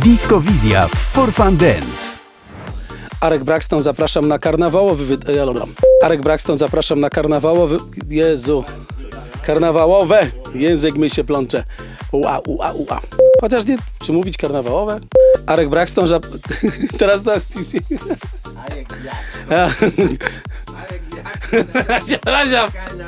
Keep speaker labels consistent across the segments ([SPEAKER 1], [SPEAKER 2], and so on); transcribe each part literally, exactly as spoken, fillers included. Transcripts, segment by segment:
[SPEAKER 1] Disco Wizja for Fun Dance.
[SPEAKER 2] Arek Braxton, zapraszam na karnawałowy... Wy... Ja, dobra. Arek Braxton, zapraszam na karnawałowy... Jezu. Karnawałowe. Język mi się plącze. Ua, ua, ua. Chociaż nie... Czy mówić karnawałowe? Arek Braxton, że... Teraz tak...
[SPEAKER 3] Arek jak? Arek jak?
[SPEAKER 2] Razia.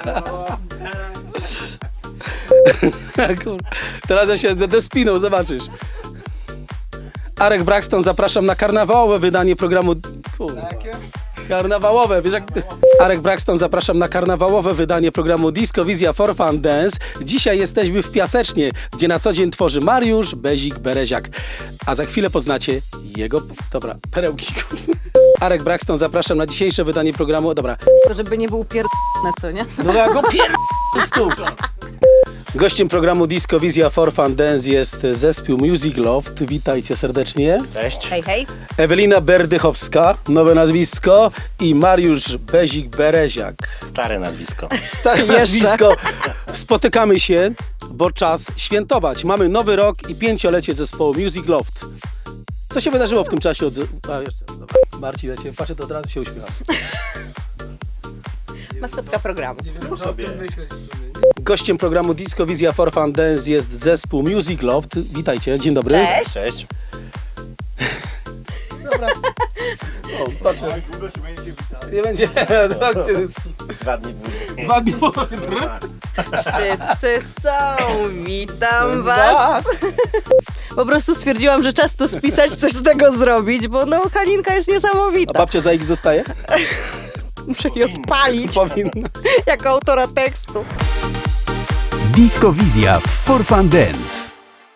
[SPEAKER 2] Teraz ja się będę spinął, zobaczysz. Arek Braxton, zapraszam na karnawałowe wydanie programu... Kurde. Karnawałowe, wiesz jak... Arek Braxton, zapraszam na karnawałowe wydanie programu Disco Wizja for Fun Dance. Dzisiaj jesteśmy w Piasecznie, gdzie na co dzień tworzy Mariusz Bezik Bereziak. A za chwilę poznacie jego... Dobra, perełki. Arek Braxton, zapraszam na dzisiejsze wydanie programu... Dobra.
[SPEAKER 4] To żeby nie był pierdolony, co nie?
[SPEAKER 2] No ja go pier... Gościem programu Disco Wizja for Fun Dance jest zespół Music Loft. Witajcie serdecznie.
[SPEAKER 3] Cześć.
[SPEAKER 4] Hej, hej.
[SPEAKER 2] Ewelina Berdychowska, nowe nazwisko, i Mariusz Bezik Bereziak.
[SPEAKER 3] Stare nazwisko.
[SPEAKER 2] Stare nazwisko. Spotykamy się, bo czas świętować. Mamy nowy rok i pięciolecie zespołu Music Loft. Co się wydarzyło w tym czasie? Od... A, jeszcze, dobra. Marcin, ja cię patrzę, to od razu się uśmiecham.
[SPEAKER 4] Maskotka programu.
[SPEAKER 2] Gościem programu Disco Wizja for Fun Dance jest zespół Music Loft. Witajcie, dzień dobry.
[SPEAKER 4] Cześć.
[SPEAKER 3] Cześć.
[SPEAKER 2] Dobra. O, patrzę.
[SPEAKER 3] Długo się będziecie witali?
[SPEAKER 2] Nie będzie.
[SPEAKER 3] Dwa dni później.
[SPEAKER 2] Dwa dni po...
[SPEAKER 4] Wszyscy są. Witam was. Po prostu stwierdziłam, że czas to spisać, coś z tego zrobić, bo no Halinka jest
[SPEAKER 2] A
[SPEAKER 4] niesamowita.
[SPEAKER 2] babcia za X zostaje?
[SPEAKER 4] Muszę jej odpalić
[SPEAKER 2] Powinna.
[SPEAKER 4] jako autora tekstu.
[SPEAKER 1] Disco Wizja for Fun Dance.